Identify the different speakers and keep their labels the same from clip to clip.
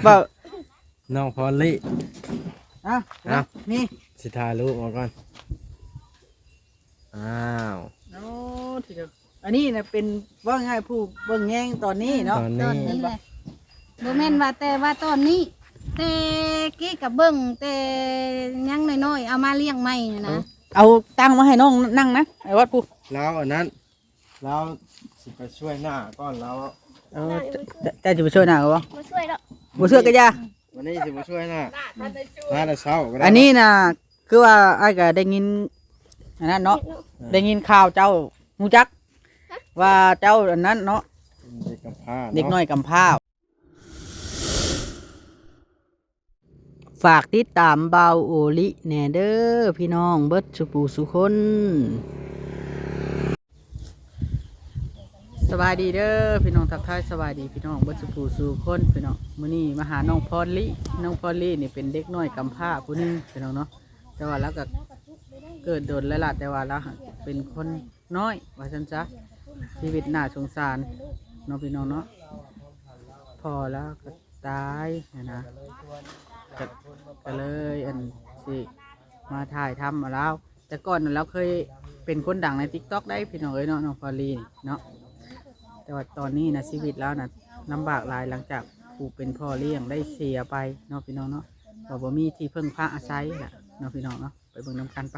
Speaker 1: เปล่า
Speaker 2: น้องพอลลี่
Speaker 1: นี่
Speaker 2: สิถ่ายรูปมาก่อนอ้าว
Speaker 1: โอ้ทีเดียวอันนี้นะเป็นว่าง่ายผู้เบิ่งแย่งตอนนี้เนาะ
Speaker 2: ตอนนี้
Speaker 3: แหละบ่แม่นว่าแต่ว่าตอนนี้แต่กี้กับเบิ่งแต่ยังน้อยๆเอามาเลี้ยงใหม่นะ
Speaker 1: เอาตั้งมาให้น้องนั่งนะไอ้วัดผู้
Speaker 2: แล้วอันนั้นแล้วสิไปช่วยหน้าก่อนแล้ว
Speaker 1: แต่จะไปช่วยหน่ะวะ
Speaker 3: มาช่วยแล้ว
Speaker 1: มาช่วยกันยา
Speaker 2: วันนี้สิมาช่วยหน้าแต่เช้า
Speaker 1: อันนี้นะคือว่าไอ้ก็ได้ยินอันนั้นเนาะได้ยินข่าวเจ้าฮู้จักว่าเจ้าอันนั้นเนาะ
Speaker 2: เด็กกำพร้า
Speaker 1: เด็กน้อยกำพร้าฝากติดตามเบาโอลิแน่เด้อพี่น้องเบิดสุปูสุคนสบายดีเด้อพี่น้องทักทายสบายดีพี่น้องเบิดสุปูสุคนพี่น้องมื้อนี้มาหาน้องพรลี่นี่เป็นเด็กน้อยกำพร้าผู้นึงพี่น้องเนาะแต่ว่าแล้วก็เกิดโดนแล้วล่ะแต่ว่าแล้วเป็นคนน้อยว่าซั่นซะชีวิตน่าสงสารน้องพี่น้องเนาะพอแล้วก็ตายนะก็เลยอันสิมาถ่ายทำมาแล้วแต่ก่อนเราเคยเป็นคนดังใน TikTok ได้พี่น้องเอ้ยเนาะน้องพอลีเนาะแต่ว่าตอนนี้นะชีวิตแล้วนะลำบากหลายหลังจากผู้เป็นพ่อเลี้ยงได้เสียไปเนาะพี่น้องเนาะบ่มีที่พึ่งพาอาศัยแหละเนาะพี่น้องเนาะไปเบิ่งน้ำกันไป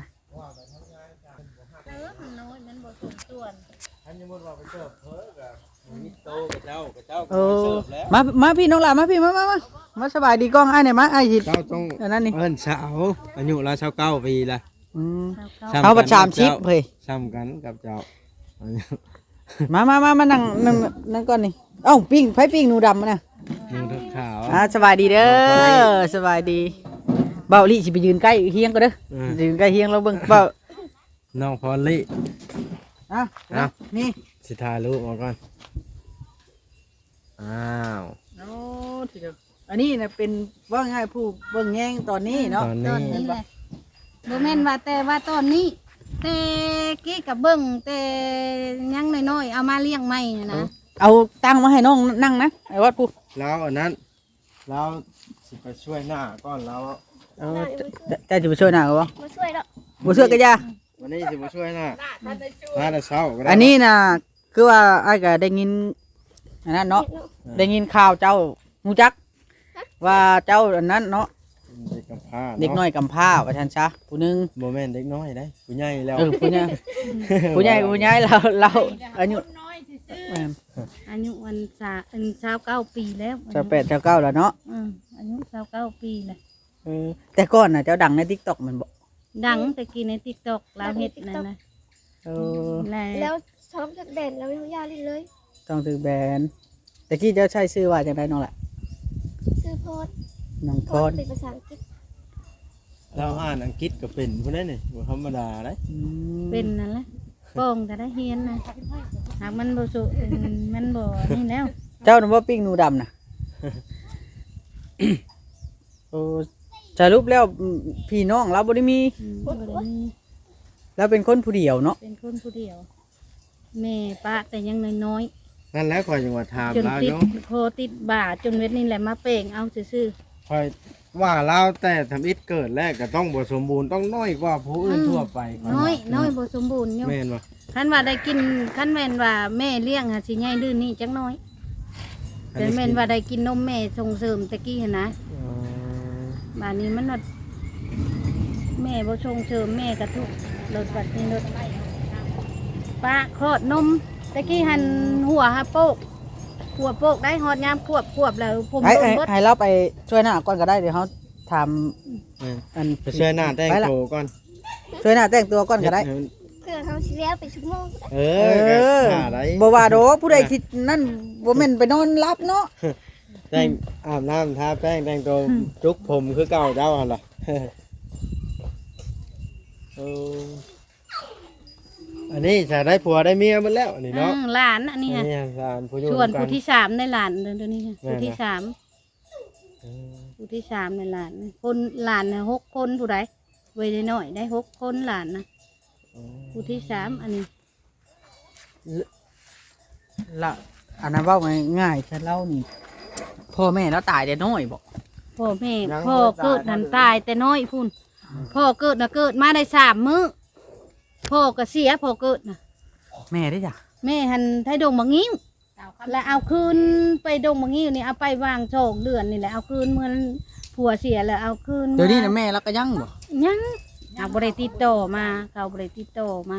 Speaker 1: มาพี่น้องหล่ะมาพี่มาสบายดีกล้องไอ้เนี่ยมาไอ้หิด
Speaker 2: เจ้าต้อง
Speaker 1: นั่นนี่
Speaker 2: เอิ้นสาวอายุเรา29 ปีละ
Speaker 1: เขาประชามชิปเฮ้ย
Speaker 2: ซ้ำกันกับเจ้า
Speaker 1: มานั่งก่อนนี่เอ้าปิ้งไผ่ปิ้งหนูดำนะ
Speaker 2: หนูขาว
Speaker 1: สบายดีเด้อสบายดีเบาลี่สิไปยืนใกล้เฮียงก็เด้อยืนใกล้เฮียงเราเบิ่งเบา
Speaker 2: น้องพอลลี่
Speaker 1: นี่
Speaker 2: สิถ่ายรูปมาก่อนอ้าว
Speaker 1: โอ้ทีเดียวอันนี้นะเป็นว่าง่ายผู้เบิ่งแย่งตอนนี้เนาะ
Speaker 3: ตอนนี้แหละบ่แม่นว่าแต่ว่าตอนนี้แต่กี้กับเบิ่งแต่ยังน้อยๆเอามาเลี้ยงใหม่นะ
Speaker 1: เอาตั้งมาให้น้องนั่งนะไอ้วัดผู้
Speaker 2: แล้วอันนั้นแล้วสิไปช่วยหน้าก่อนแล้ว
Speaker 1: แต่จะไปช่วยหน่ะวะ
Speaker 3: มาช่วยแล้ว
Speaker 1: มาช่วยกันยา
Speaker 2: วันนี้สิมาช่วยหน้าแต่เช้า
Speaker 1: อันนี้นะคือว่าไอ้ก็ได้ยินอันนั้นเนาะได้ยินข่าวเจ้าฮู้จักว่าเจ้าอันนั้นเนาะ
Speaker 2: เด็กกำพร้า
Speaker 1: เด็กน้อยกำพร้าว่าซั่นซะผู้นึง
Speaker 2: บ่แม่นเด็กน้อยได้ผู้ใหญ่แล้ว
Speaker 1: ผู้ใหญ่เราอายุ
Speaker 3: วัน29 ปีแล้ว
Speaker 1: 29แล้วเนาะ
Speaker 3: อายุ29 ปีเลย
Speaker 1: แต่ก่อนน่ะเจ้าดังใน TikTok มันบ่
Speaker 3: ดังแต่กี้ใน TikTok เราเฮ็ดนั่นนะ
Speaker 4: แล้วช่องจากแบนเราไม่รู้ยาเลย
Speaker 1: ต้องถือแบนแต่กี้เจ้าใช้ชื่อว่าจังได๋น้องล่ะ
Speaker 4: ชื่อโพส
Speaker 1: น้องโพส
Speaker 4: เป็นภาษาอังกฤษ
Speaker 2: เราอ่านอังกฤษก็เป็นพุ่นได้นี่บ่ธรรมดาได้
Speaker 3: เป็นนั่นแหละป้องก็ได้เฮียนนะหากมันบ่สุมันบ่นี่แล้ว
Speaker 1: เจ้าน่ะบ่ปิ้งหนูดำน่ะโอ้สรุปแล้วพี่น้องเราบ่ได้มีแล้วเป็นคนผู้เดียวเนาะ
Speaker 3: เป็นคนผู้เดียวแม่ป้าแต่ยังน้อย
Speaker 2: นั่นแหละคอยจังหวัดถามเราเนาะ
Speaker 3: โคติดบ่าจนเวทนี่แหละมาเป่งเอาซื่อ
Speaker 2: คอยว่าเราแต่ทำอิฐเกิดแรกก็ต้องบ่สมบูรณ์ต้องน้อยกว่าผู้อื่นทั่วไป
Speaker 3: น้อยบ่สมบูรณ์อยู่
Speaker 2: แม่นบ่
Speaker 3: คันว่าได้กินคันแม่นว่าแม่เลี้ยงหาสิใหญ่ดื้อนี่จังน้อยแต่แม่นว่าได้กินนมแม่ส่งเสริมตะกี้หั่นนะบ้านนี้มันว่าแม่บ่ส่งเสริมแม่ก็ทุกรถบัดนี้รถป้าคลอดนมตะกี้หันหัวฮะโปกหัวโปกได้ฮอดยามควบแล้วผม
Speaker 1: ให้เราไปช่วยหน้าก่อนก็ได้เดี๋ยวเขาทำ
Speaker 2: ไปช่วยหน้าแต่งตัวก่อน
Speaker 1: ช่วยหน้าแต่งตัวก่อนก็ได้
Speaker 4: เพื่อเขาเสียไปชั่วโมง
Speaker 1: บ่ว่าดอกผู้ใดคิดนั่นบ่แม่นไปนอนรับเนาะ
Speaker 2: แต่งอาบน้ำทาแป้งแต่งตัวจุกผมคือเก่าเจ้าหั่นล่ะอันนี้จะได้ผัวได้เมียมันแล้วนี่เนาะ
Speaker 3: หลานอันนี้ส่วนผู้ที่3ได้หลานเดี๋ยวนี้ผู้ที่3ในหลานคนหลานน่ะ6 คนผู้ใดไว้ได้น้อยได้6 คนหลานนะผู้ที่3อันนี้
Speaker 1: ละอันนั้นว่าง่ายๆฉันเล่านี่พ่อแม่แล้วตายแต่น้อยบ่
Speaker 3: พ่อแม่พ่อเกิดหันตายแต่น้อยพุ่นพ่อเกิดนะเกิดมาได้3 มื้อพ่อก็เสียพ่อเกิดนะ
Speaker 1: แม่ได้จ้ะ
Speaker 3: แม่หันไทยดงบางงิ้วแล้วเอาคืนไปดงบางงิ้วนี่เอาไปวางโชคเดือนนี่แหละเอาคืนเมื่อผัวเสียแล้วเอาคืน
Speaker 1: เดี๋ยวนี้นะแม่แล้วก็ยังบ่
Speaker 3: ยังเอาบริติดต่อมาเขาบริติดต่อมา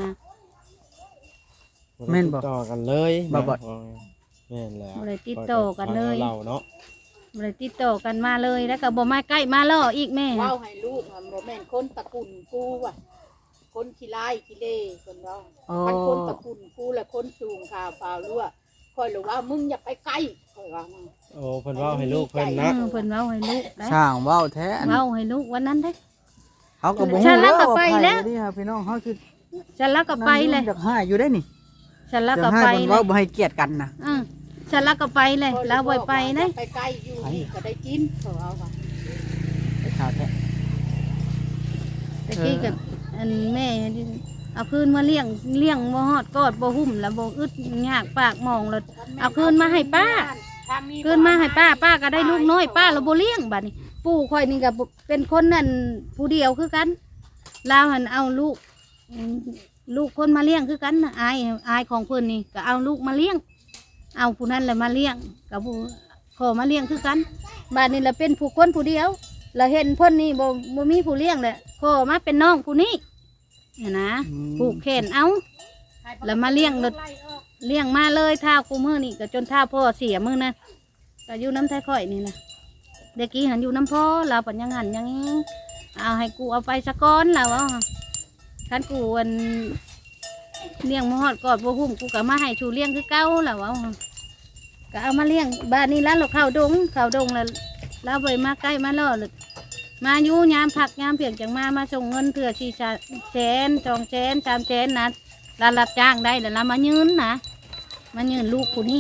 Speaker 1: แม่นบ่
Speaker 2: ติดต่อกันเลย
Speaker 1: บ่บ่
Speaker 2: แม่นแล้ว
Speaker 3: บริติดต่อกันเลย
Speaker 2: เราเนาะ
Speaker 3: บริติดต่อกันมาเลยแล้วก็บ่มาใกล้มาล่ออีกแม่
Speaker 5: เว้าให้ลูกมันบ่แม่นคนตระกูลกูว่ะคนขี้ร้ายขี้เล่คนเรา
Speaker 1: อ๋อ
Speaker 5: มันคนตระกูลกูและคนสูงข่าวเปล่ารั่วคอยรู้ว่ามึงอย่าไปใกล้คอยว่ามา
Speaker 2: โอ้เพิ่นเว้าให้ลูกเพิ่นนะ
Speaker 3: เพิ่นเว้าให้ลูกได้
Speaker 1: ช่างเว้าแท้อัน
Speaker 3: เว้าให้ลูกวันนั้นได้
Speaker 1: เขาก็บ่
Speaker 3: ฉั
Speaker 1: ฮู้
Speaker 3: นแล้วก็ไป
Speaker 1: ว่า
Speaker 3: แล้ว
Speaker 1: นี่ครับพี่น้องเขาคือ
Speaker 3: ฉันแล้วก็ไปเลย
Speaker 1: อยากหาอยู่ได้นี่
Speaker 3: ฉันแล้ว
Speaker 1: อยา
Speaker 3: ก็
Speaker 1: กหา
Speaker 3: ไป
Speaker 1: เพิ่น
Speaker 3: เล
Speaker 1: เว้าย บ่ให้เกียรติกันนะ
Speaker 3: ฉันแล้วก็ไปเลยแล้วบ่ไปเลย
Speaker 5: ไปใกล้อยู่นี่ก็ได้กินเขาเอาว่า
Speaker 1: ไปข่าวแท้
Speaker 3: ตะกี้กับอันแม่เอาคืนมาเลี้ยงบ่ฮอดกอดบ่หุ่มแล้วบ่อึดยากปากมองแล้วเอาคืนมาให้ป้า
Speaker 5: ทางนี้
Speaker 3: คืนมาให้ป้าก็ได้ลูกน้อยป้าเราบ่เลี้ยงบัดนี้ปู่ข่อยนี่ก็เป็นคนนั่นผู้เดียวคือกันลาวหันเอาลูกคนมาเลี้ยงคือกันน่ะอายของเพิ่นนี่ก็เอาลูกมาเลี้ยง เอาผู้นั้นแหละมาเลี้ยงกับผู้ขอมาเลี้ยงคือกันบัดนี้ละเป็นผู้คนผู้เดียวแล้วเห็นเพิ่นนี่บ่มีผู้เลี้ยงแหละขอมาเป็นน้องผู้นี้เนี่ยนะผูกแขนเอาแล้วมาเลี้ยงรถ เลี้ยงมาเลยเท้ากูมือนี่ก็จนเท้าพ่อเสียมือนะก็อยู่น้ำไทยข่อยนี่นะเด็กกี้หันอยู่น้ำพ่อเราปัญญังหันอยังนี้เอาให้กูเอาไปสะก้อนเราเอาคันกูวันเลี้ยงมาหอดกอดบัวหุ่มกูก็มาให้ชูเลี้ยงคือเก้าเราเอาก็เอามาเลี้ยงบ้านนี้แล้วเราเข้าดงแล้วเราไปมาใกล้มาล่อเลยมาอยู่ยามผักยามเพียงจังมาส่งเงินเถื่อ4 แสน2 แสน3 แสนนะเรารับจ้างได้แล้วเรามายืนนะมายืนลูกผู้นี้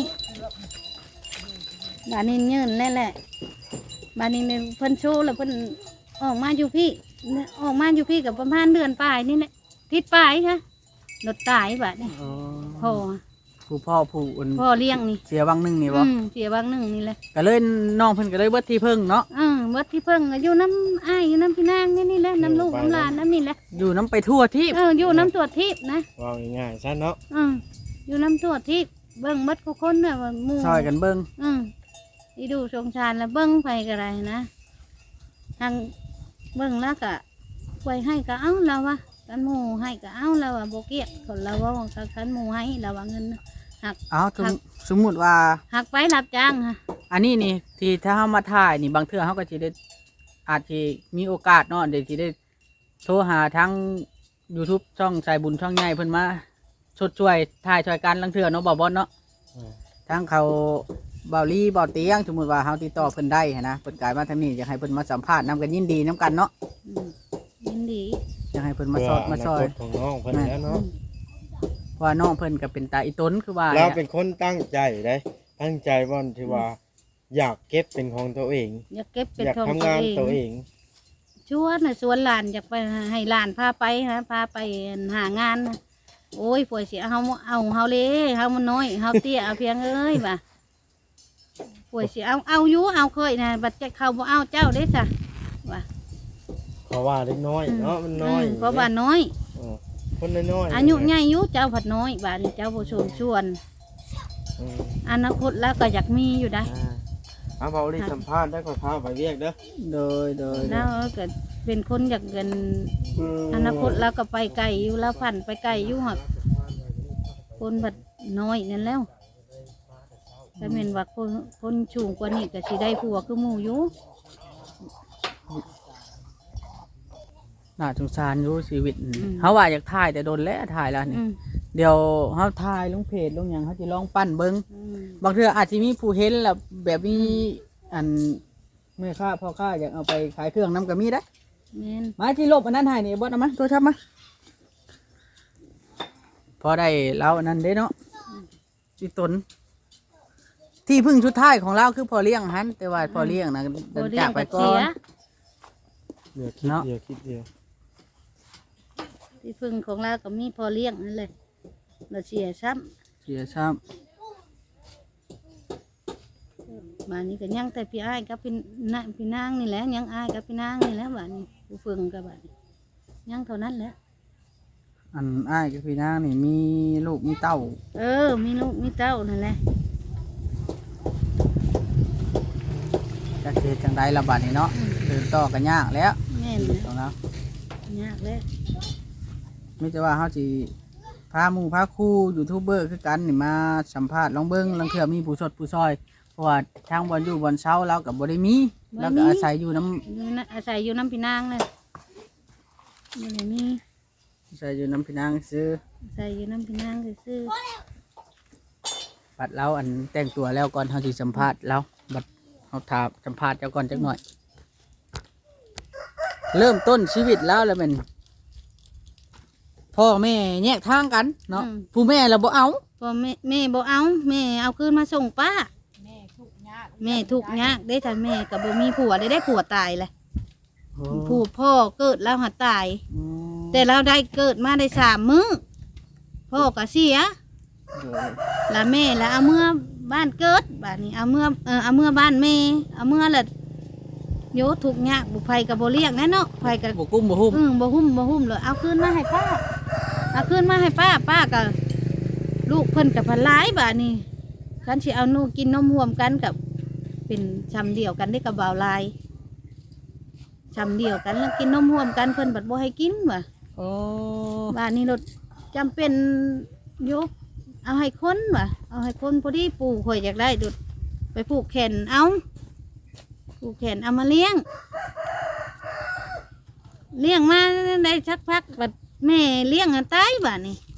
Speaker 3: บ้านนี้ยืนนั่นแหละบ้านนี้เนี่ยเพิ่นโชว์แล้วเพิ่นออกมาอยู่พี่กับประมาณเดือนปลายนี่แหละทิศปลายค่ะรถตายบ้านนี้พ่อ
Speaker 1: ผู้พ่อผู้อุ่น
Speaker 3: พ่อเลี้ยงนี่
Speaker 1: เสียวังหนึงนี่บ่
Speaker 3: เสียบางหนึ่งนี่แหละ
Speaker 1: ก็เลยน้องเพิ่นก็เลยเบิดที่พึ่งเนาะ
Speaker 3: วัดที่เพิ่งก็อยู่น้ำอ้ายอยู่น้ำพี่นางนี่แหละน้ำลูกน้ำหลานน้ำนี่แหละ
Speaker 1: อยู่น้ำไปทั่วที่
Speaker 3: อยู่น้ำตัวทิพย์นะ
Speaker 2: เว้าง่ายๆซะเนาะ
Speaker 3: อยู่น้ำตัวทิพย์เบิ่งมัดกูคนเนี่ยว่าหมู่
Speaker 1: ซอยกันเบิ่ง
Speaker 3: อีดูสงสารแล้วเบิ่งไปก็ได้นะทางเบิ่งแล้วก็ไว้ให้ก็เอาเราวะกันหมู่ให้ก็เอาเราวะโบเกียคนเราว่ากันหมู่ให้เราว่าเงินหัก
Speaker 1: เอาสมมุติว่า
Speaker 3: หักไปรับจ้างค่ะ
Speaker 1: อันนี้นี่ที่ถ้าเฮามาถ่ายนี่บางเทื่อเฮาก็สิได้อาจสิมีโอกาสเนาะเดี๋ยวสิได้โทรหาทั้ง YouTube ช่องสายบุญช่องใหญ่เพิ่นมาชดช่วยถ่ายช่วยกันลังเทื่อเนาะบ่บ่เนาะทั้งเขาเบาลี่เบาเตียงสมมุติว่าเฮาติดต่อเพิ่นได้หั้นนะเพิ่นกลายมาทางนี้อยากให้เพิ่นมาสัมภาษณ์นํกันยินดีนํกันเนาะ
Speaker 3: ยินดี
Speaker 1: อยากให้เพิ่นมาสอดมาซอย
Speaker 2: เพื่ออนาคตของน้องเพิ่นแล้วเนาะ
Speaker 1: เพราะว่าน้องเพิ่นก็เป็นตาอีต้นคือว่า
Speaker 2: เราเป็นคนตั้งใจได้ตั้งใจว่าที่ว่า อยากเก็บเป็นของตัวเอง
Speaker 3: อยากเก็บเป็น
Speaker 2: อยาก
Speaker 3: ของ
Speaker 2: ทำงานตัวเอง
Speaker 3: ชวนน่ะชวนหลานอยากไปให้หลานพาไปนะพาไปหางานนะโอ้ยป่วยเสียเฮาเลยเฮามันน้อยเฮาเตี้ยเอาเพียงเอ้ยบ่ะป่วยเสียเอาอยู่เอาเคยนะบัดจะเขาบ่เอาเจ้าได้ซะว่ะ
Speaker 2: เพราะว่าเล็กน้อยเนาะมันน้อย
Speaker 3: เพราะว่าน้อย
Speaker 2: คนน้อยๆ
Speaker 3: อายุใหญ่อยู่เจ้าผัดน้อยบาดนี้เจ้าบ่ชวน
Speaker 2: อืม
Speaker 3: อนาคตแล้วก็อยากมีอยู่ได้
Speaker 2: เอาเบาลีสัมภาษณ์ได้ขอพาไปเรียกเด้อ
Speaker 1: โดย
Speaker 3: แล้วก็เป็นคนอยากเงินอนาคตแล้วก็ไปไกลอยู่แล้วพันไปไกลอยู่หักคนผัดน้อยนั่นแล้วถ้าเป็นว่าคนสูงกว่านี้ก็สิได้ผัวคือหมู่อยู่
Speaker 1: น่าสงสารอยู่ชีวิตเฮาว่าอยากถ่ายแต่โดนแล้วถ่ายแล้วนี่เดี๋ยวเฮาถ่ายลงเพจลงหยังเฮาสิลองปั้นเบิ่งบางเทื่ออาจสิมีผู้เห็นแล้วแบบมีอันแม่ค้าพ่อค้าอยากเอาไปขายเครื่องนํก็มีได้
Speaker 3: แม่น
Speaker 1: มาที่ลบอันนั้นให้นี่บ่เอามาโทรศัพท์มาพอได้แล้วอันนั้นเด้เนาะอีตนที่พึ่งชุดท้ายของเราคือพอเลี้ยงหันแต่ว่าพอเลี้ยงนะเดินจากไปก่อน
Speaker 2: เดี๋ยวคิด
Speaker 1: เนาะ
Speaker 2: เดี๋ยวคิดเดียว
Speaker 3: ที่พึ่งของเราก็มีพอเลี้ยงนั่นเลยเราเสียซ้
Speaker 1: เสียซ้
Speaker 3: บ้านนี้ก็ยังแต่พี่อ้ายกับพี่นางนี่แหละยังอ้ายกับพี่นางนี่แหละบ้านนี้ผู้ฝึงกับบ้านนี้ยังเท่านั้นแหละ
Speaker 1: อันอ้ายกับพี่นางนี่มีลูกมีเต้า
Speaker 3: มีลูกมีเต้านั่นแหละ
Speaker 1: จะเฮ็ดจังไดล่ะบัดนี้เนาะเดินต่อก็ยากแล้ว
Speaker 3: แม่น
Speaker 1: ชี
Speaker 3: เล
Speaker 1: วิต
Speaker 3: ย
Speaker 1: ของเรา
Speaker 3: ยากเลย
Speaker 1: ไม่จะว่าเฮาสิพาหมู่พาครูยูทูบเบอร์คือกันนี่มาสัมภาษณ์ลองเบิ่งลางเทื่อมีผู้สดผู้ซอยเพราะว่าทางบ่อนอยู่บ่อนเช้าเราก็บ่ได้มีเราก็อาศัยอยู่น้ำ
Speaker 3: อาศัยอยู่น้ำพี่นางเลยอยู่ไหนมี
Speaker 1: อาศัยอยู่น้ำพี่นางซื้อ
Speaker 3: อาศัยอยู่น้ำพี่นางซื่อ
Speaker 1: บัดเราอันแต่งตัวแล้วก่อนเฮาสิสัมภาษณ์เราบัดเฮาถามสัมภาษณ์เจ้าก่อนจักหน่อย เริ่มต้นชีวิตแล้วแล้วเป็นพ่อแม่แยกทางกันเนาะผู้แม่เราบ่เอา
Speaker 3: ๆพอแม่บ่เอาแม่เอาคืนมาส่งป้า
Speaker 5: แม่ทุกข์ยาก
Speaker 3: แม่ทุกข์ยากได้แต่แม่กับบ่มีผัวได้ผัวตายเลยผู้พ่อเกิดแล้วหัดตาย
Speaker 1: อืม
Speaker 3: แต่เราได้เกิดมาได้3 มื้อพ่อก็เสียแล้วแม่แล้วเอาเมื่อบ้านเกิดบ้านนี้เอาเมื่อบ้านแม่เอาเมื่อละโยทุกข์ยากบุไผกับบ่เลี้ยงแน่เนาะไผกับ
Speaker 1: บ่กุ้มบ่หุ้ม
Speaker 3: บ่หุ้มเลยเอาคืนมาให้ป้าเอาคืนมาให้ป้ากับลูกเพิ่นกับพันหลายบาทนี่คันสิเอานูกินนมห่วมกันกับเป็นชำเดียวกันได้กับบ่าวลายชำเดียวกันแล้วกินนมห่วมกันเพิ่นบัดบ่ให้กินว่ะ
Speaker 1: โอ้
Speaker 3: บาทนี้รถจำเป็นยกเอาให้คนว่ะเอาให้คนพอดีปู่ข่อยอยากได้ดุดไปผูกแขนเอาผูกแขนเอามาเลี้ยงมาได้สักพักบัดแม่เลี้ยงอันตายบาทนี้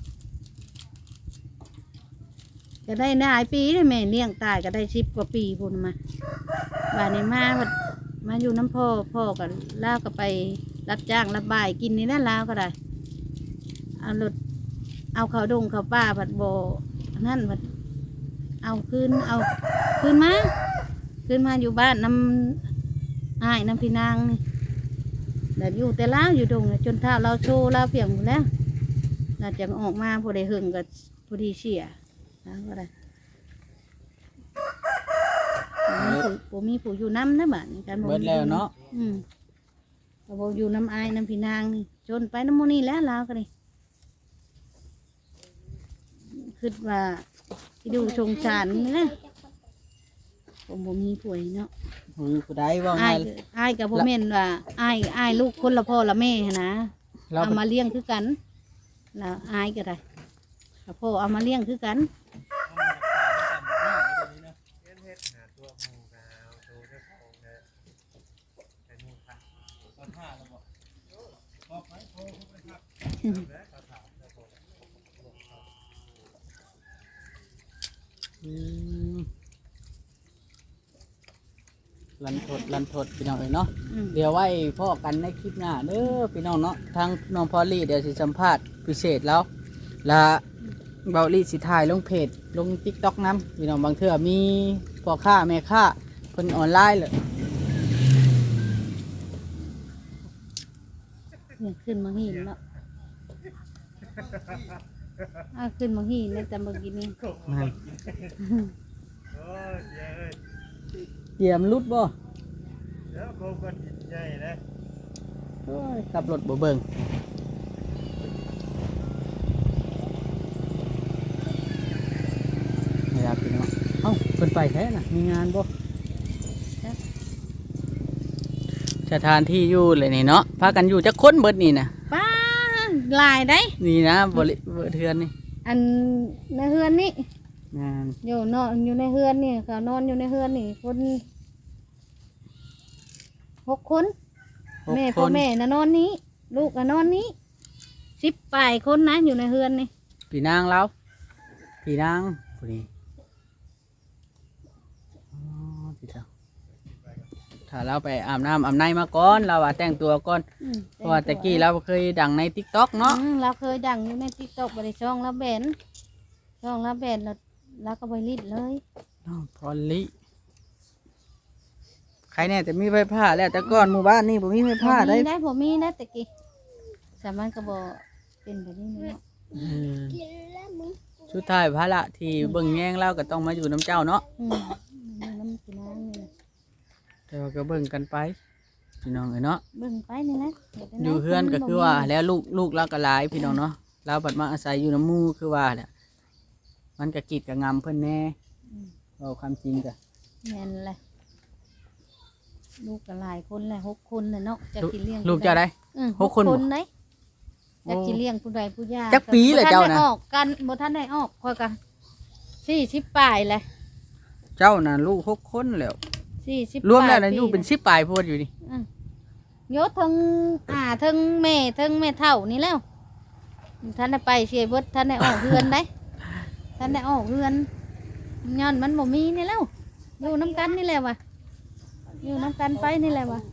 Speaker 3: ก็ได้หลายปีเลยแม่เลี้ยงตายก็ได้10 กว่าปีพุ่นมาบาทนี้มาอยู่น้ำพ่อกันล่าก็ไปรับจ้างรับบ่ายกินนี่นั่นลาวก็ได้เอารถเอาเขาดงเขาป่าผัดโบนั่นผัดเอาคืนมาอยู่บ้านน้ำอ้ายน้ำพี่นางนี่แต่อยู่แต่ล้าวอยู่ดงจนเท้าเราโชว์เราเพียงหมดแล้วเราจะออกมาพอได้หึงกับพอดีเสียนะก็ได้ผมมีผู้อยู่น้ำนะบ้านนี้กัน
Speaker 1: เบิดแล้วเนาะ
Speaker 3: เราบอกอยู่น้ำอายน้ำพี่นางนี่จนไปน้ำโมนี่แล้วลาวก็เลยคิดว่าที่ดูชงชานนี่นะผมบ่มีป่วยเนาะ
Speaker 1: อยู่ผู้ใดว่าไง
Speaker 3: อายกับพ่อแม่นว่าอายลูกคนละพ่อละแม่หั้นนะ
Speaker 1: เรา
Speaker 3: เอามาเลี้ยงคือกันแล้วอายก็ได้แล้วพ่อเอามาเลี้ยงคือกัน
Speaker 1: อืมลันทดพี่น้องเอ้ยเนาะ เดี๋ยวไว้พ่อกันในคลิปหน้าเด้อพี่น้องเนาะทางน้องพอลลี่เดี๋ยวสิสัมภาษณ์พิเศษแล้วและเบาลี่สิถ่ายลงเพจลง TikTok นำพี่น้องบางเทื่อมีพ่อค้าแม่ค้าเพิ่นออนไลน์เลย
Speaker 3: เนี่ยขึ้นมาหินเนาะขึ้นมาหินในแต่เมื่อกี้นี่
Speaker 1: นั่นเยี่ยมรุดบ่
Speaker 2: เดี๋ยวผมก็ติดใจนะ
Speaker 1: โอ้ยขับรถบ่เบิ่งนี่ครับพี่น้องเอ้าเพิ่นไปแท้น่ะมีงานบ่สถานที่อยู่เลยนี่เนาะพากันอยู่จักคนเบิดนี่น่ะ
Speaker 3: ป้าหลายได้
Speaker 1: นี่นะบริเทือนนี่
Speaker 3: อันในเฮือนนี่
Speaker 1: งาน
Speaker 3: อยู่นอนอยู่ในเฮือนนี่เขานอนอยู่ในเฮือนนี่คน6 คน
Speaker 1: 6
Speaker 3: แม่
Speaker 1: ค
Speaker 3: พ่อน แม่น่ะนอนนี้ ลูกก็นอนนี้10 ปลายคนนะอยู่ในเฮือนนี่
Speaker 1: พี่นางเราพี่นางผู้นี้อ๋อพี่เจ้าถ้าเราไปอาบน้ำอาบในมาก่อนเราว่าแต่งตัวก่อนเพราะว่าตะกี้เราเคยดังใน TikTok เนาะ
Speaker 3: เราเคยดังอยู่ในTikTok บริช่องละแบนแล้วก็ไปรีดเลย
Speaker 1: น้องพอลลี่ใครเนี่ยจะมีไฟผ้าแล้วแต่ก่อนหมู่บ้านนี่ผมมีไฟผ้าได้
Speaker 3: ผมมีได้ตะกี้สามัญกระบอกเป็นแบบนี้เนาะ
Speaker 1: เออสุดท้ายภาระที่เบิ่งแย่งเราก็ต้องมาอยู่น้ำเจ้าเนาะ
Speaker 3: น้ำกินน้ำ
Speaker 1: แต่ว่าก็เบิ่งกันไปพี่น้องเอ้ยเนาะ
Speaker 3: เบิ่งไปนี่แหละฮ็ดจั่งใด
Speaker 1: อยู่เฮือนก็คือว่าแล้วลูกเราก็หลายพี่น้องเนาะเราบัดมาอาศัยอยู่น้ำหมู่คือว่าเนี่ยมันก็กีดกับงำเพิ่นแน่เอาความจริงก็
Speaker 3: แม่นแหละลูกก็หลายคนแหละ6คนน่ะเนาะจะกินเลี้ยง
Speaker 1: ลูกเจ้าได้
Speaker 3: หกคน
Speaker 1: บ่
Speaker 3: เด้จะกินเลี้ยงผู้ใดผู้ยาก
Speaker 1: จักปีเลยเจ้านะ
Speaker 3: บ่ทัได้ออกกันบ่ทันได้ออกค่อยกัน40ปลายแหละ
Speaker 1: เจ้าน่ะลูก6 คนแล้ว
Speaker 3: 40
Speaker 1: รวมแล้วนะ
Speaker 3: ปี
Speaker 1: อยู่เป็น10ปลายโพดอยู่นี่
Speaker 3: โยศทั้งทั้งแม่เฒ่านี่แล้วท่านได้ไปเสียเบิดท่านได้ออกเรือนได้ท่านได้ออกเรือนย้อนมันบ่มีนี่แล้วอยู่น้ำกันนี่แหละวะอยู่น้ำกันไปนี่แหละวะ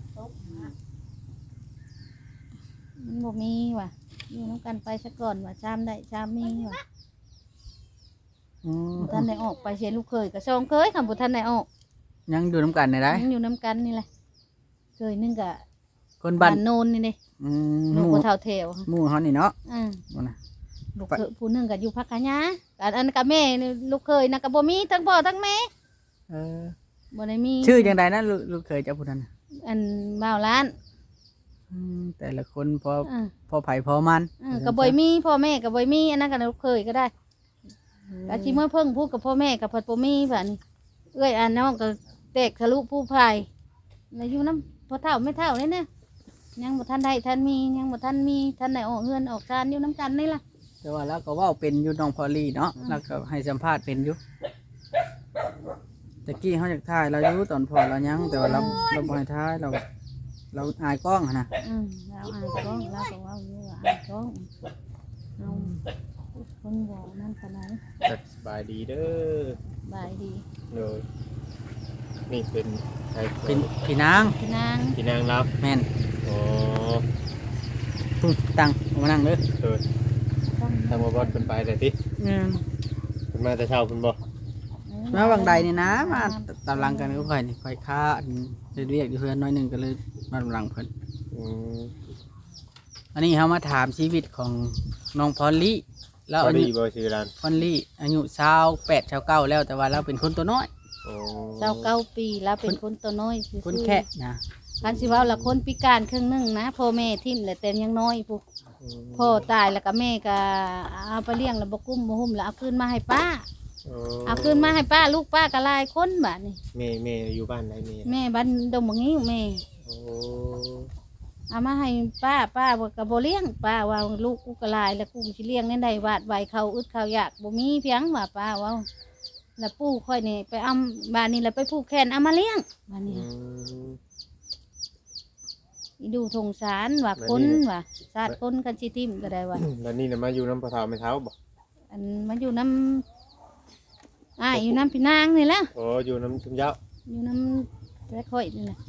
Speaker 3: มันบ่มีวะอยู่น้ำกันไปซะก่อนวะชามได้ชามมีวะ
Speaker 1: อืม
Speaker 3: ท่านได้ออกไปเสียลูกเคยกับซองเคยคำบุท่านได้ออก
Speaker 1: ยังอยู่น้ำกันได้
Speaker 3: ยังอยู่น้ำกันนี่แหละเคยนึงกับ
Speaker 1: คนบ้า
Speaker 3: บ้าน นโนนนี่เด้
Speaker 1: อืม
Speaker 3: ลูกบ่เท่าเทว
Speaker 1: หมู่เฮานี่เนาะ บ่นะ
Speaker 3: ลูกเคยผู้หนึงกับอยู่พักกะยาอันกับแม่นี่ลูกเคยนะกับบ่มีทั้งพ่อทั้งแม่
Speaker 1: เออ
Speaker 3: บ่ได้มี
Speaker 1: ชื่อจังไดนะลูกเคยเจ้าผู้นั้นน่ะ
Speaker 3: อันบ่าวล้าน
Speaker 1: แต่ละคนพอ
Speaker 3: อ่า
Speaker 1: พอไผพอมัน
Speaker 3: กับบ่มีพ่อแม่กับบ่มีอันนั้นกับลูกเคยก็ได้ก็สิเมื่อเพิ่งพูดกับพ่อแม่กับพ่อบ่มีบัดนี้เอ้ยอันน้องก็แตกทะลุผู้พายแล้วอยู่น้ำพ่อเฒ่าไม่เฒ่านี่เนี่ยยังบ่ทันได้ทันมียังบ่ทันมีทันได้ออกเงินออกการอยู่น้ำกันนี่ล่ะ
Speaker 1: แต่ว่าเราก็เว้าเป็นอยู่น้องพอลลี่เนาะแล้วก็ให้สัมภาษณ์เป็นอยู่ตะกี้เฮาอยากถ่ายเราอยู่ตอนพอเรายังแต่ว่าเราบ่ให้ถ่ายเราอายกล้องอะนะ
Speaker 3: เราอ่านกล้องเราก็ว่าอยู่ว่าอ่านกล้องเอาคนบอกนั่นขนาด
Speaker 2: สบายดีเด้อบ
Speaker 3: ายดี
Speaker 2: เลยนี่เป็นใคร
Speaker 1: เป็นพี่นาง
Speaker 3: พี่นาง
Speaker 2: พี่นางรับ
Speaker 1: แม่น
Speaker 2: อ๋อ
Speaker 1: พุ่งตังเอามานั่งเด้อ
Speaker 2: เออทางบ่บอดเป็นไปแต่ติเป็นมาแต่เช้าเพิ่นบ่
Speaker 1: มาบางใดนี่นะมาตามหลังกันก็ค่อยนี่ค่อยค้าอันเรียกอยู่เพื่อนน้อยหนึงก็เลยมาตามหลังเพิ่น
Speaker 2: อืม
Speaker 1: อันนี้เฮามาถามชีวิตของน้องพอลลี่แล้ว
Speaker 2: พอ
Speaker 1: อา
Speaker 2: ดี
Speaker 1: ยุ
Speaker 2: บ่ชื่อร้าน
Speaker 1: พอลลี่อายุ28 29แล้วแต่ว่าเราเป็นคนตัวน้อย
Speaker 2: อ๋อ
Speaker 3: 29 ปีแล้วเป็นคนตัวน้อยซื่อๆ
Speaker 1: คนแค่นะ
Speaker 3: คันสิเว่าละคนพิการครึ่งหนึงนะพ่อแม่ทิ่มแหละแต่ยังน้อยพวกพ่อตายแล้วก็แม่ก็เอาไปเลี้ยงแล้วบ่กุ้มบ่หุ่มแล้วเอาคืนมาให้ป้า
Speaker 2: อ๋อ
Speaker 3: เอาคืนมาให้ป้าลูกป้าก็หลายคนบัดนี้
Speaker 2: แม่อยู่บ้านใดแม่
Speaker 3: แม่บ้านดงบางงี้แม่
Speaker 2: โอ้
Speaker 3: เอามาให้ป้าก็บ่เลี้ยงป้าว่าลูกกูก็หลายแล้วกูสิเลี้ยงได้วาดไว้เขาอึดเขาอยากบ่มีเพียงว่าป้าเว้าแล้วปู่ค่อยนี่ไปเอาบ้านนี้แล้วไปผูกแขนเอามาเลี้ยงบ้าน
Speaker 2: อื
Speaker 3: นี้
Speaker 2: ม
Speaker 3: อีดูสงสารว่าคนว่าชาติคนกันสิทิ่มก็ได้ว่า
Speaker 2: แล้วนี่น่ะมาอยู่น้ำปลาเท้าไม่เท้าบ่
Speaker 3: อันมันอยู่น้ำอยู่น้ำพี่นางนี่แหละ
Speaker 2: โอ้อยู่น้ำชุ่มเจ้า
Speaker 3: อยู่น้ำแต่ค่อยนี่แหละ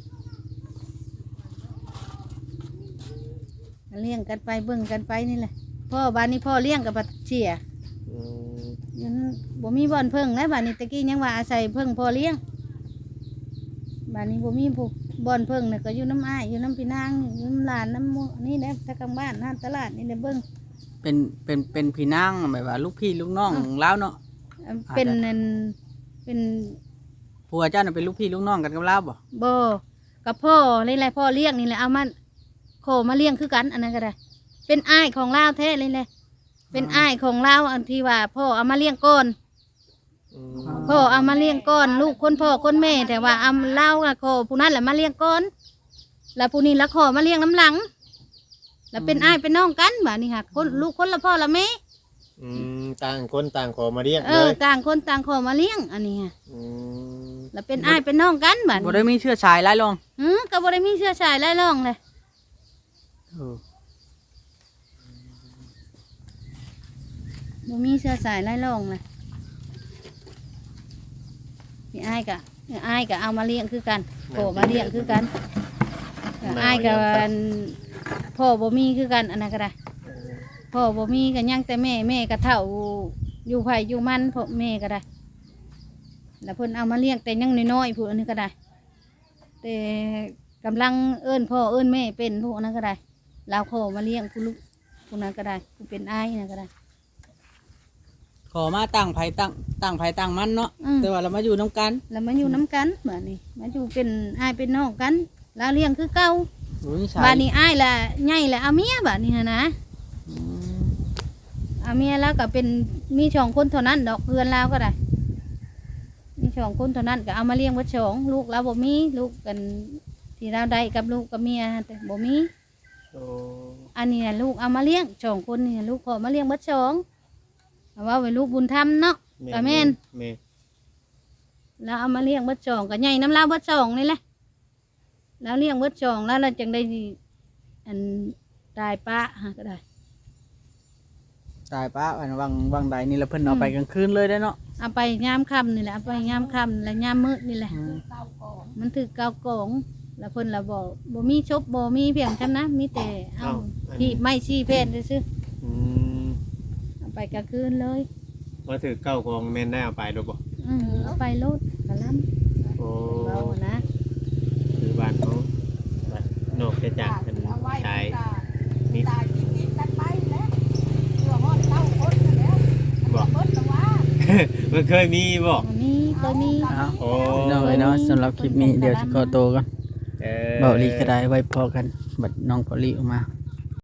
Speaker 3: เลี้ยงกันไปเบิ่งกันไปนี่แหละพ่อบ้านนี้พ่อเลี้ยงกับบัดเชีย
Speaker 2: อืม
Speaker 3: ยันบ่มีบ่อนเพิ่งนะบ้านนี้ตะกี้ยังว่าอาศัยเพิ่งพ่อเลี้ยงบ้านนี้บ่มีพวกบ่อนเพิ่งเนี่ยก็อยู่น้ำอยู่น้ำพี่นางอยู่น้ำหลานน้ำหมู่นี่แหละถ้ากลางบ้านห้านตลาดนี่แหละเบิ่ง
Speaker 1: เป็นพี่นางแบบว่าลูกพี่ลูกน้องแล้วเนาะ
Speaker 3: เป็นนั่นเป็น
Speaker 1: ผัวเจ้าน่ะเป็นลูกพี่ลูกน้องกันกับเราบ่
Speaker 3: บ่กับพ่อนี่แหละพ่อเลี้ยงนี่แหละเอามาโคมาเลี้ยงคือกันอันนั้นก็ได้ เป็นอ้ายของลาวแท้เลยแหละเป็นอ้ายของลาวอันที่ว่าพ่อเอามาเลี้ยงก่อน
Speaker 2: อืม
Speaker 3: พ่อเอามาเลี้ยงก่อนลูกคนพ่อคนแม่แต่ว่าเอาเล่ากับพ่อผู้นั้นแหละมาเลี้ยงก่อนแล้วผู้นี้ละขอมาเลี้ยงน้ำหลัง แล้วเป็นอ้ายเป็นน้องกันบ่านี่ค่ะคนลูกคนละพ่อละแม่
Speaker 2: อืมต่างคนต่างขอมาเรียก
Speaker 3: เอ
Speaker 2: เล
Speaker 3: อย ต่างคนต่างขอมาเลี้ยงอันนี้ค่ะ
Speaker 2: อืม
Speaker 3: แล้วเป็นอ้ายเป็นน้องกันบ่า
Speaker 1: บ่
Speaker 3: นี่
Speaker 1: ได้มีเชื้อสายหลายรอง
Speaker 3: ก็บ่ได้มีเชื้อสายไล่ร่องเลยบ่มีเชื้อสายไล่ร่องเลยพี่อ้ายก็เอามาเลี้ยงคือกันขอมาเลี้ยงคือกันอ้ายกับพ่อบ่มีคือกันอันนั้นก็ได้ พ่อบ่มีกันยังแต่แม่ก็เฒ่าอยู่ไผอยู่มันพ่อแม่ก็ได้ แล้วเพิ่นเอามาเลี้ยงแต่ยังน้อยๆผู้อันนี้ก็ได้ แต่กำลังเอิ้นพ่อเอิ้นแม่เป็นผู้อันนั้นก็ได้เราขอมาเลี้ยงผู้ลูกผู้นั้นก็ได้ผู้เป็นอ้ายนั่นก็ได้
Speaker 1: ขขอมาตั้งไผตั้งไผตั้งมันเนาะ
Speaker 3: อืม
Speaker 1: แต่ว่าเรามาอยู่นํกัน
Speaker 3: แล้วมาอยู่น้ำกันบ้านนี้มาอยู่เป็นอ้ายเป็นน้องกัน แล้วเลี้ยงคือเก่า
Speaker 1: โอ้ยชาย
Speaker 3: บ้านนี้อ้ายละใหญ่ละเอาเมียบ้านนี้นะ
Speaker 1: อืม
Speaker 3: เอาเมียแล้วก็เป็นมีสองคนเท่านั้นดอกเพื่อนเราก็ได้มีสองคนเท่านั้นก็เอามาเลี้ยงไว้สองลูกเราบ่มีลูกกันที่เราได้กับลูกกับเมียแต่บ่มี
Speaker 2: โอ้
Speaker 3: อันนี้น่ะลูกเอามาเลี้ยงสองคนนี่ลูกขอมาเลี้ยงไว้สองเอาว่าไว้ลูกบุญธรรมเนาะ ก็แม่น
Speaker 2: แม่
Speaker 3: แล้วเอามาเลี้ยงไว้สองก็ใหญ่น้ำลาวไว้สองนี่แหละแล้วเลี้ยงไว้สองแล้วเราจึงได้อันตายปะฮะก็ได้
Speaker 1: ตายป้าอันวังใดนี่ละเพิ่นเอาไปกลางคืนเลยได้เนาะ
Speaker 3: เอาไปยามค่ำนี่แหละเอาไปยามค่ำและยามมืดนี่แหละ
Speaker 1: อืม
Speaker 3: มันถือเกากองแล้วเพิ่นละบอกบ่มีชบบ่มีเพียงจำนะมีแต่เอาที่ไม่ชี้เพศซื่อ
Speaker 2: อืม
Speaker 3: ๆเอาไปกลางคืนเลย
Speaker 2: ว่าถือเก้าของแม่นได้เอาไปหรือบ่
Speaker 3: เอาไปโลดกะล้
Speaker 2: โอ้
Speaker 3: ำเราอะนะ
Speaker 2: คือบ้านเขานอกจากเป็นชายนี่
Speaker 5: ตายกินกันไปแล้วเพื่อฮอดเต้าคนนั่นแหล้วเบิดละว่า
Speaker 2: มันเคยมีบ่
Speaker 3: อันนี้ตัวนี้
Speaker 1: เอา
Speaker 2: โอ้
Speaker 1: พี่น้องเอ้ยเนาะสำหรับคลิปนี้เดี๋ยวสิขอตัวก่อน
Speaker 2: เออ
Speaker 1: เบาลีก็ได้ไว้พอกันบัดน้องพอลีออกมา